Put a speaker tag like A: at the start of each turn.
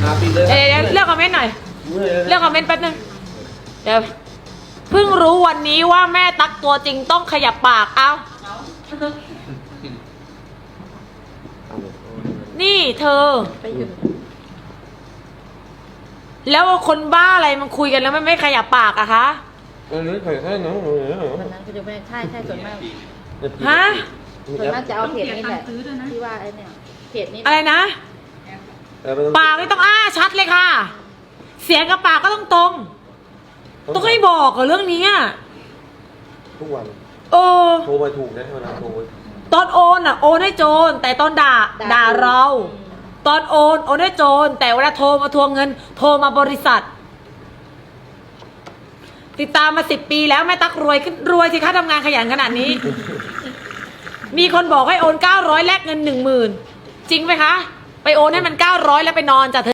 A: ปิดเลย
B: เดี๋ยวเลือกคอมเมนต์หน่อยเลือกคอมเมนต์แป๊บนึงเดี๋ยวเพิ่งรู้วันนี้ว่าแม่ตั๊กตัวจริงต้องขยับปากเอ้านี่เธอแล้วคนบ้าอะไรมันคุยกันแล้วมันไม่ขยับปากอะคะ
A: อันนี้ใครแค่น้อง
C: วันนั้นก็จะไม่ใช่ส่วนมาก
B: ฮะ
C: ส่วนมากจะเอาเพจนี้แหละที่ว่าไอ้เนี่ยเพจนี้
B: อะไรนะปากไม่ต้องอ้าชัดเลยค่ะ เสียงกับปากก็ต้องตรงต้องให้บอกเหรอเรื่องนี้อะ
A: ทุกวัน
B: เออ
A: โทรไปถูกนะเวลาโทร
B: ตอนโอนอ่ะโอนให้โจรแต่ตอนด่าเรา ตอนโอนให้โจรแต่เวลาโทรมาทวงเงิน โทรมาบริษัท ติดตามมา10 ปีแล้วแม่ตั๊กรวยขึ้นรวยสิคะทำงานขยันขนาดนี้ มีคนบอกให้โอน900แลกเงิน10,000จริงไหมคะ ไปโอนให้มัน900แล้วไปนอนจ้ะเธอ